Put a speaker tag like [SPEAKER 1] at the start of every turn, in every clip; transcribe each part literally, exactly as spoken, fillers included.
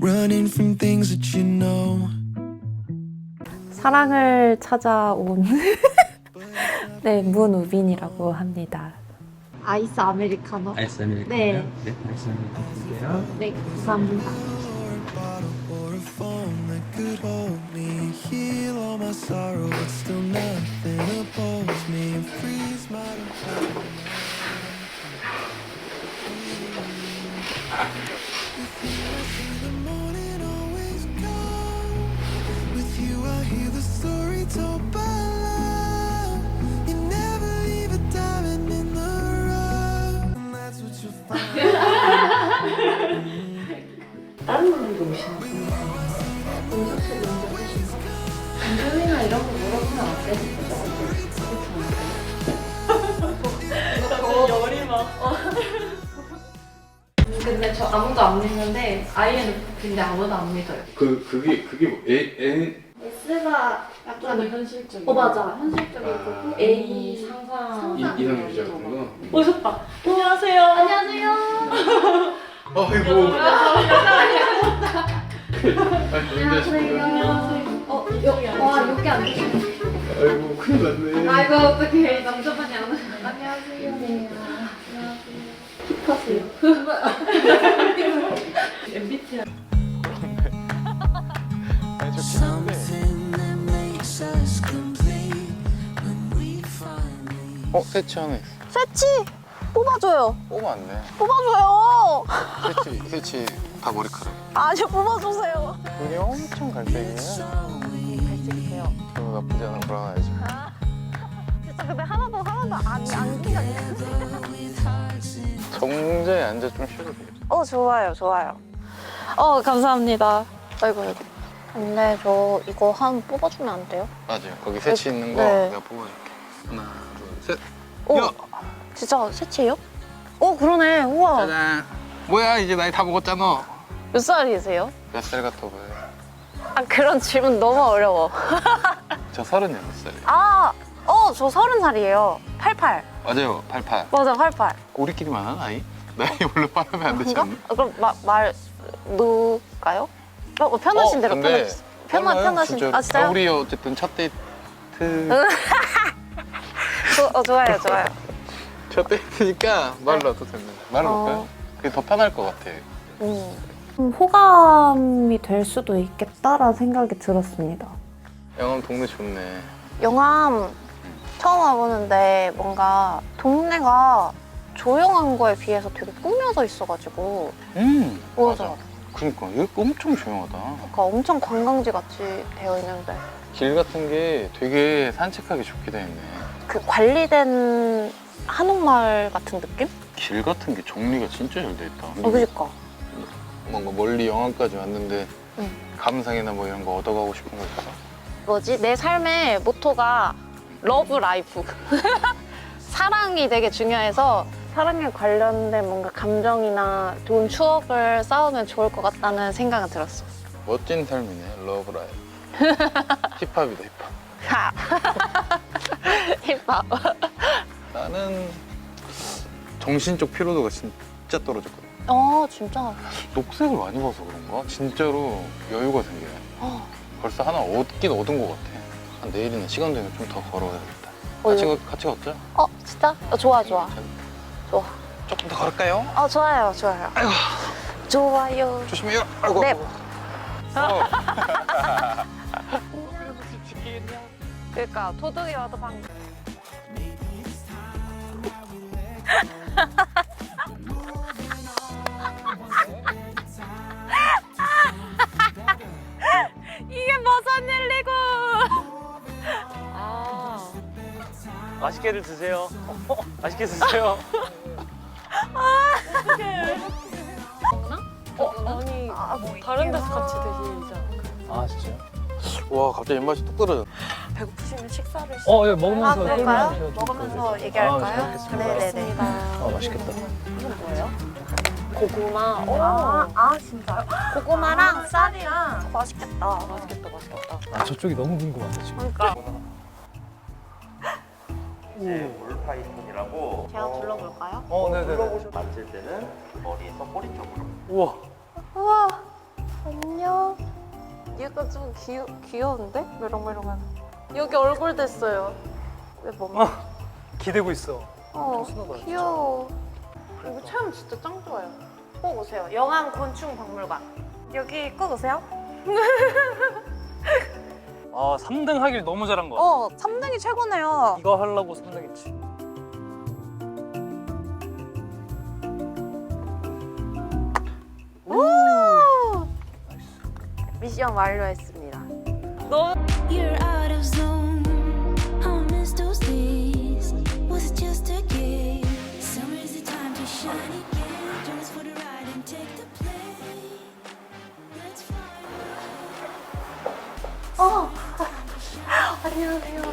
[SPEAKER 1] running from things that you know.
[SPEAKER 2] 사랑을 찾아온 네, 문우빈이라고 합니다. 아이스 아메리카노.
[SPEAKER 3] 아이스 아메리카노요?
[SPEAKER 2] 네.
[SPEAKER 3] 네, 아이스 아메리카노 드릴게요.
[SPEAKER 2] 네, 감사합니다.
[SPEAKER 1] Or a phone that could hold me, heal all my sorrow, but still nothing opposes me and freeze my heart. With you I see the morning always come. With you I hear the story told by love. You never leave a diamond in the rough, and that's what you'll find.
[SPEAKER 2] 다른 분들도 오시는 음식을 먼저 드시고 감정이나 이런 거 물어보면 안 되는 거죠? 그렇죠? 열이 막 근데 저 아무도 안 믿는데 아이엔에프피인데 아무도 안 믿어요.
[SPEAKER 3] 그 그게 그게 뭐 A N
[SPEAKER 2] S가 약간
[SPEAKER 4] 현실적인.
[SPEAKER 2] 어 맞아 현실적이고
[SPEAKER 3] 아.
[SPEAKER 2] A 상상
[SPEAKER 3] 이- 이상 유자 같은 거.
[SPEAKER 4] 오셨다. 안녕하세요.
[SPEAKER 2] 안녕하세요.
[SPEAKER 3] 아이고.
[SPEAKER 2] 안녕하세요. 어, 여, 와 여기 안 계시네.
[SPEAKER 3] 아이고 큰일 났네.
[SPEAKER 2] 아이고 어떻게 남자분이 안 오시네. 안녕하세요. 네. 안녕하세요.
[SPEAKER 4] 엠비티아이.
[SPEAKER 1] Something that makes us complete when we finally.
[SPEAKER 5] 어? 세치하네.
[SPEAKER 6] 새치 뽑아줘요.
[SPEAKER 5] 뽑으면 안 돼.
[SPEAKER 6] 뽑아줘요.
[SPEAKER 5] 세치, 세치 다 머리카락.
[SPEAKER 6] 아니 뽑아주세요.
[SPEAKER 5] 눈이 엄청 갈색이에요.
[SPEAKER 6] 갈색이세요.
[SPEAKER 5] 그거 나쁘지 않아. 불안하죠.
[SPEAKER 6] 진짜 근데 하나도 하나도 안 안기가
[SPEAKER 5] 정자에 앉아 좀 쉬어도 돼요.
[SPEAKER 6] 어 좋아요 좋아요. 어 감사합니다. 아이고 아이고. 근데 저 이거 한 뽑아주면 안 돼요?
[SPEAKER 5] 맞아요. 거기 세치 있는 거
[SPEAKER 6] 네.
[SPEAKER 5] 내가 뽑아줄게. 하나, 둘, 셋.
[SPEAKER 6] 오
[SPEAKER 5] 야!
[SPEAKER 6] 진짜 새치예요? 오 그러네. 우와.
[SPEAKER 5] 짜잔. 뭐야 이제 나이 다 먹었잖아.
[SPEAKER 6] 몇 살이세요?
[SPEAKER 5] 몇 살 같아 보여?
[SPEAKER 6] 아 그런 질문 너무 어려워.
[SPEAKER 5] 저 서른여섯 살이에요.
[SPEAKER 6] 아, 어 저 서른 살이에요. 팔팔.
[SPEAKER 5] 맞아요. 팔팔.
[SPEAKER 6] 맞아 팔팔.
[SPEAKER 5] 우리끼리만 하나 나이? 나이 원래 말하면 안 되지
[SPEAKER 6] 그런가?
[SPEAKER 5] 않나?
[SPEAKER 6] 아, 그럼 마, 말 놓을까요? 어, 어, 편하신 대로
[SPEAKER 5] 근데
[SPEAKER 6] 편하신. 편하
[SPEAKER 5] 빨라요,
[SPEAKER 6] 편하신.
[SPEAKER 5] 진짜로.
[SPEAKER 6] 아 진짜요?
[SPEAKER 5] 아, 우리 어쨌든 첫 데이트.
[SPEAKER 6] 조, 어, 좋아요 좋아요.
[SPEAKER 5] 첫 데이트니까 말로 놔도 됩니다. 말로
[SPEAKER 6] 어.
[SPEAKER 5] 볼까요? 그게 더 편할 것 같아.
[SPEAKER 6] 음.
[SPEAKER 2] 좀 호감이 될 수도 있겠다라는 생각이 들었습니다.
[SPEAKER 5] 영암 동네 좋네.
[SPEAKER 6] 영암 처음 와보는데 뭔가 동네가 조용한 거에 비해서 되게 꾸며져 있어가지고
[SPEAKER 5] 음
[SPEAKER 6] 맞아.
[SPEAKER 5] 그러니까 이거 엄청 조용하다.
[SPEAKER 6] 그러니까 엄청 관광지 같이 되어 있는데
[SPEAKER 5] 길 같은 게 되게 산책하기 좋게 돼 있네.
[SPEAKER 6] 그 관리된 한옥마을 같은 느낌?
[SPEAKER 5] 길 같은 게 정리가 진짜 잘 돼 있다.
[SPEAKER 6] 어 그니까.
[SPEAKER 5] 뭔가 멀리 영암까지 왔는데
[SPEAKER 6] 응.
[SPEAKER 5] 감상이나 뭐 이런 거 얻어가고 싶은 거 있어?
[SPEAKER 6] 뭐지? 내 삶의 모토가 러브 라이프. 사랑이 되게 중요해서 사랑에 관련된 뭔가 감정이나 좋은 추억을 쌓으면 좋을 것 같다는 생각은 들었어.
[SPEAKER 5] 멋진 삶이네. 러브 라이프. 힙합이다 힙합.
[SPEAKER 6] 힙합.
[SPEAKER 5] 나는 정신적 피로도가 진짜 떨어졌거든.
[SPEAKER 6] 어 진짜.
[SPEAKER 5] 녹색을 많이 봐서 그런가? 진짜로 여유가 생겨요.
[SPEAKER 6] 어.
[SPEAKER 5] 벌써 하나 얻긴 얻은 것 같아. 한 내일이나 시간 되면 좀 더 걸어야겠다.
[SPEAKER 6] 어,
[SPEAKER 5] 같이, 가- 같이 걷자.
[SPEAKER 6] 어 진짜? 어, 좋아 좋아. 좋아.
[SPEAKER 5] 조금 더 걸을까요?
[SPEAKER 6] 어 좋아요 좋아요.
[SPEAKER 5] 아이고.
[SPEAKER 6] 좋아요.
[SPEAKER 5] 조심해요. 아이고.
[SPEAKER 6] 네.
[SPEAKER 5] 어.
[SPEAKER 6] 그러니까 도둑이 와도 방. 이게 무슨 일이고? 아.
[SPEAKER 7] 맛있게들 드세요. 맛있게 드세요.
[SPEAKER 4] 어, 아니 다른 데서 같이 드시지 않을까요?
[SPEAKER 5] 아 진짜요? 와 갑자기 입맛이 뚝 떨어졌네.
[SPEAKER 6] 배고프시면 식사를.
[SPEAKER 7] 어, 예, 먹으면서
[SPEAKER 6] 아 그럴까요?
[SPEAKER 7] 설명하셔도
[SPEAKER 6] 먹으면서
[SPEAKER 7] 좋을
[SPEAKER 6] 얘기할까요?
[SPEAKER 7] 아, 잘
[SPEAKER 6] 네네네.
[SPEAKER 7] 아, 맛있겠다.
[SPEAKER 6] 이건 뭐예요?
[SPEAKER 4] 고구마.
[SPEAKER 6] 아, 아 진짜요? 고구마랑 쌀이랑 맛있겠다. 맛있겠다, 맛있겠다.
[SPEAKER 7] 아, 저쪽이 너무 궁금하네, 지금.
[SPEAKER 6] 그러니까
[SPEAKER 8] 이제 올파이톤이라고
[SPEAKER 6] 제가 둘러볼까요?
[SPEAKER 7] 어, 네네네.
[SPEAKER 8] 둘러보시면 만질 때는 머리에서 꼬리 쪽으로
[SPEAKER 7] 우와.
[SPEAKER 6] 우와, 어머. 얘가 좀 귀여, 귀여운데? 메롱메롱한. 여기 얼굴 됐어요. 내 몸.
[SPEAKER 7] 어, 기대고 있어.
[SPEAKER 6] 어,
[SPEAKER 7] 신나봐요,
[SPEAKER 6] 귀여워. 이거 체험 진짜 짱 좋아요. 꼭 오세요. 영암 곤충박물관. 여기 꼭 오세요.
[SPEAKER 7] 아, 삼 등 하길 너무 잘한 거 같아.
[SPEAKER 6] 어, 삼 등이 최고네요.
[SPEAKER 7] 이거 하려고 삼 등 했지.
[SPEAKER 6] 오! 미션 완료했습니다. 너무
[SPEAKER 1] You're out of zone. I miss those days. Was it just a game? Summer's the time to shine again. Join us for the ride and take the plane. Let's fly.
[SPEAKER 6] 어! 안녕하세요.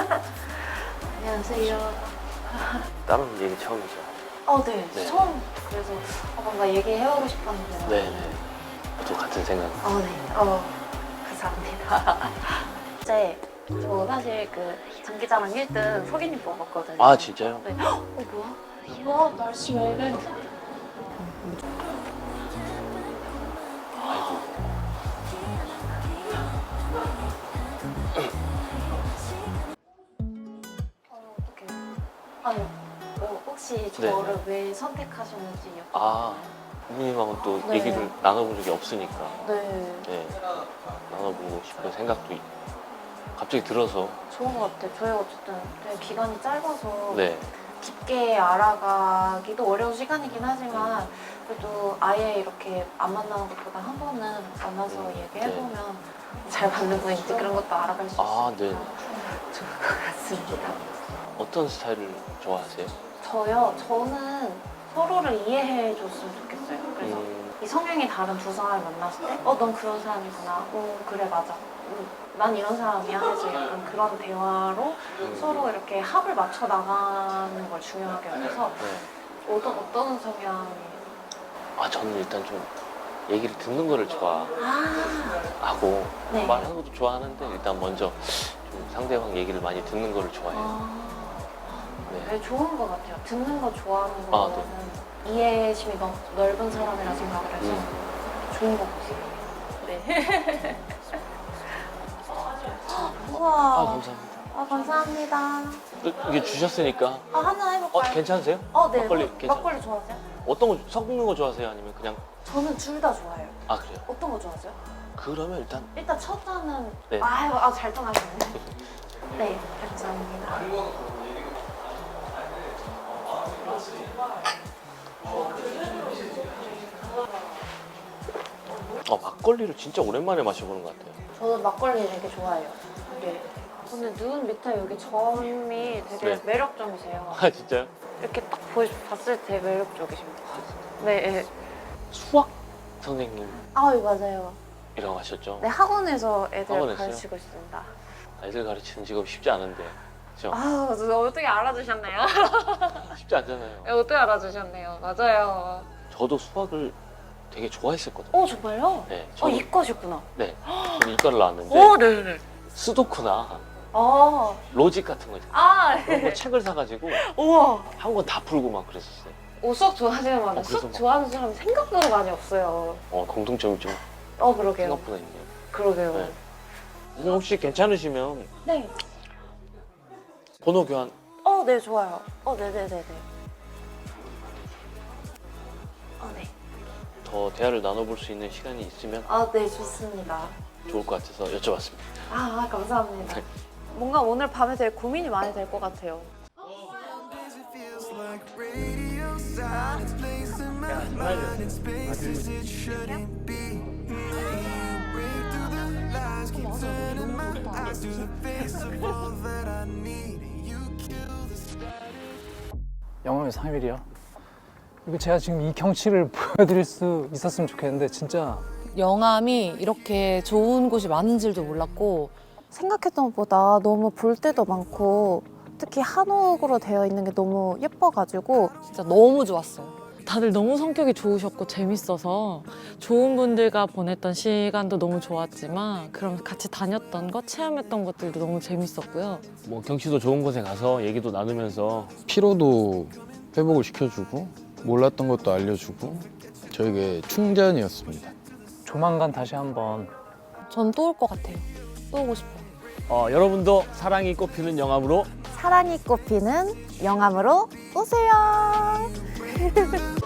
[SPEAKER 6] 안녕하세요.
[SPEAKER 8] 다른 얘기 처음이죠.
[SPEAKER 6] 어, 네.
[SPEAKER 8] 네.
[SPEAKER 6] 처음 그래서 어, 뭔가 얘기해보고 싶었는데.
[SPEAKER 8] 네네. 또 같은 생각.
[SPEAKER 6] 어, 네. 어, 감사합니다. 이제 저 사실 그 장기자랑 일 등 석인님 뽑았거든요.
[SPEAKER 8] 아 진짜요?
[SPEAKER 6] 네. 어, 뭐야? 이거 날씨 왜 이래?
[SPEAKER 8] 아이고.
[SPEAKER 6] 어, 어떡해. 아니, 뭐 혹시 저를 왜 선택하셨는지 여쭤봐도
[SPEAKER 8] 아.
[SPEAKER 6] 되나요?
[SPEAKER 8] 부모님하고는 또
[SPEAKER 6] 네.
[SPEAKER 8] 얘기를 나눠본 적이 없으니까.
[SPEAKER 6] 네.
[SPEAKER 8] 네. 나눠보고 싶은 생각도 있- 갑자기 들어서.
[SPEAKER 6] 좋은 것 같아요. 저희가 어쨌든 되게 기간이 짧아서
[SPEAKER 8] 네.
[SPEAKER 6] 깊게 알아가기도 어려운 시간이긴 하지만 그래도 아예 이렇게 안 만나는 것보다 한 번은 만나서 얘기해보면 잘 맞는 분인지 그런 것도 알아갈 수 있으니까
[SPEAKER 8] 아, 네.
[SPEAKER 6] 좋을 것 같습니다.
[SPEAKER 8] 어떤 스타일을 좋아하세요?
[SPEAKER 6] 저요? 저는 서로를 이해해 줬으면 좋겠어요. 그래서
[SPEAKER 8] 음,
[SPEAKER 6] 이 성향이 다른 두 사람을 만났을 때 어, 넌 그런 사람이구나. 어, 그래, 맞아. 음, 난 이런 사람이야. 해서 약간 그런 대화로
[SPEAKER 8] 음.
[SPEAKER 6] 서로 이렇게 합을 맞춰 나가는 걸 중요하게 여겨서
[SPEAKER 8] 네.
[SPEAKER 6] 어떤, 어떤 성향이
[SPEAKER 8] 아 저는 일단 좀 얘기를 듣는 거를 좋아하고
[SPEAKER 6] 아, 네.
[SPEAKER 8] 말하는 것도 좋아하는데 일단 먼저 좀 상대방 얘기를 많이 듣는 거를 좋아해요.
[SPEAKER 6] 아,
[SPEAKER 8] 네.
[SPEAKER 6] 되게 좋은 것 같아요. 듣는 거 좋아하는
[SPEAKER 8] 아,
[SPEAKER 6] 거는 이해심이 너무 넓은 사람이라 생각을 해서
[SPEAKER 8] 음.
[SPEAKER 6] 좋은 것 같아요. 네.
[SPEAKER 8] 아
[SPEAKER 6] 우와.
[SPEAKER 8] 감사합니다.
[SPEAKER 6] 아, 감사합니다.
[SPEAKER 8] 또 이게 주셨으니까
[SPEAKER 6] 아, 한잔
[SPEAKER 8] 어
[SPEAKER 6] 해볼까요?
[SPEAKER 8] 괜찮으세요?
[SPEAKER 6] 어, 네.
[SPEAKER 8] 막걸리
[SPEAKER 6] 막-
[SPEAKER 8] 괜찮-
[SPEAKER 6] 막걸리 좋아하세요?
[SPEAKER 8] 어떤 거 섞는 거 좋아하세요? 아니면 그냥
[SPEAKER 6] 저는 둘 다 좋아해요.
[SPEAKER 8] 아 그래요?
[SPEAKER 6] 어떤 거 좋아하세요?
[SPEAKER 8] 그러면 일단
[SPEAKER 6] 일단 첫 잔은
[SPEAKER 8] 네.
[SPEAKER 6] 아유, 아, 잘 떠나셨네. 네, 감사합니다.
[SPEAKER 8] 어 막걸리를 진짜 오랜만에 마셔보는 것 같아요.
[SPEAKER 6] 저도 막걸리 되게 좋아해요. 네. 근데 눈 밑에 여기 점이 되게
[SPEAKER 8] 네.
[SPEAKER 6] 매력적이세요.
[SPEAKER 8] 아 진짜요?
[SPEAKER 6] 이렇게 딱 보, 봤을 때 매력적이십니다. 네, 네.
[SPEAKER 8] 수학 선생님이라고
[SPEAKER 6] 아유, 맞아요.
[SPEAKER 8] 하셨죠?
[SPEAKER 6] 네, 학원에서 애들
[SPEAKER 8] 학원에서요?
[SPEAKER 6] 가르치고 있습니다.
[SPEAKER 8] 애들 가르치는 직업 쉽지 않은데 그죠?
[SPEAKER 6] 아, 저 어떻게 알아주셨네요?
[SPEAKER 8] 쉽지 않잖아요.
[SPEAKER 6] 네, 어떻게 알아주셨네요? 맞아요.
[SPEAKER 8] 저도 수학을 되게 좋아했었거든요.
[SPEAKER 6] 어, 정말요?
[SPEAKER 8] 네,
[SPEAKER 6] 어,
[SPEAKER 8] 저는
[SPEAKER 6] 이과셨구나.
[SPEAKER 8] 네, 저는 이과를 나왔는데
[SPEAKER 6] 오, 네네.
[SPEAKER 8] 수도크나
[SPEAKER 6] 아,
[SPEAKER 8] 로직 같은 거 있잖아요.
[SPEAKER 6] 아,
[SPEAKER 8] 그런 거 책을 사가지고
[SPEAKER 6] 우와.
[SPEAKER 8] 한 권 다 풀고 막 그랬었어요.
[SPEAKER 6] 오, 수학 좋아하시는 분들
[SPEAKER 8] 어, 그래서
[SPEAKER 6] 수학
[SPEAKER 8] 막-
[SPEAKER 6] 좋아하는 사람이 생각보다 많이 없어요.
[SPEAKER 8] 어 공통점이 좀
[SPEAKER 6] 어, 그러게요.
[SPEAKER 8] 생각보다 있네요.
[SPEAKER 6] 그러게요.
[SPEAKER 8] 네. 선생님 혹시 괜찮으시면
[SPEAKER 6] 네.
[SPEAKER 8] 번호 교환
[SPEAKER 6] 어, 네, 좋아요. 어, 네네네네. 어, 네.
[SPEAKER 8] 더 대화를 나눠볼 수 있는 시간이 있으면
[SPEAKER 6] 아, 네, 좋습니다.
[SPEAKER 8] 좋을 것 같아서 여쭤봤습니다.
[SPEAKER 6] 아, 감사합니다. 뭔가 오늘 밤에 되게 고민이 많이 될 것 같아요.
[SPEAKER 1] Days it feels like radio silence, placing my mind in spaces it shouldn't be. Break through the lies, keep turning my eyes to the face of all that I need. You kill the static.
[SPEAKER 7] 영암의 삼 일이요. 이거 제가 지금 이 경치를 보여드릴 수 있었으면 좋겠는데 진짜
[SPEAKER 9] 영암이 이렇게 좋은 곳이 많은 줄도 몰랐고
[SPEAKER 6] 생각했던 것보다 너무 볼 데도 많고 특히 한옥으로 되어 있는 게 너무 예뻐가지고
[SPEAKER 9] 진짜 너무 좋았어요.
[SPEAKER 4] 다들 너무 성격이 좋으셨고 재밌어서 좋은 분들과 보냈던 시간도 너무 좋았지만 그럼 같이 다녔던 것, 체험했던 것들도 너무 재밌었고요.
[SPEAKER 10] 뭐 경치도 좋은 곳에 가서 얘기도 나누면서
[SPEAKER 5] 피로도 회복을 시켜주고 몰랐던 것도 알려주고 저에게 충전이었습니다.
[SPEAKER 7] 조만간 다시 한번
[SPEAKER 9] 전 또 올 것 같아요. 또 오고 싶어요.
[SPEAKER 10] 어, 여러분도 사랑이 꽃피는 영암으로
[SPEAKER 6] 사랑이 꽃피는 영암으로 오세요.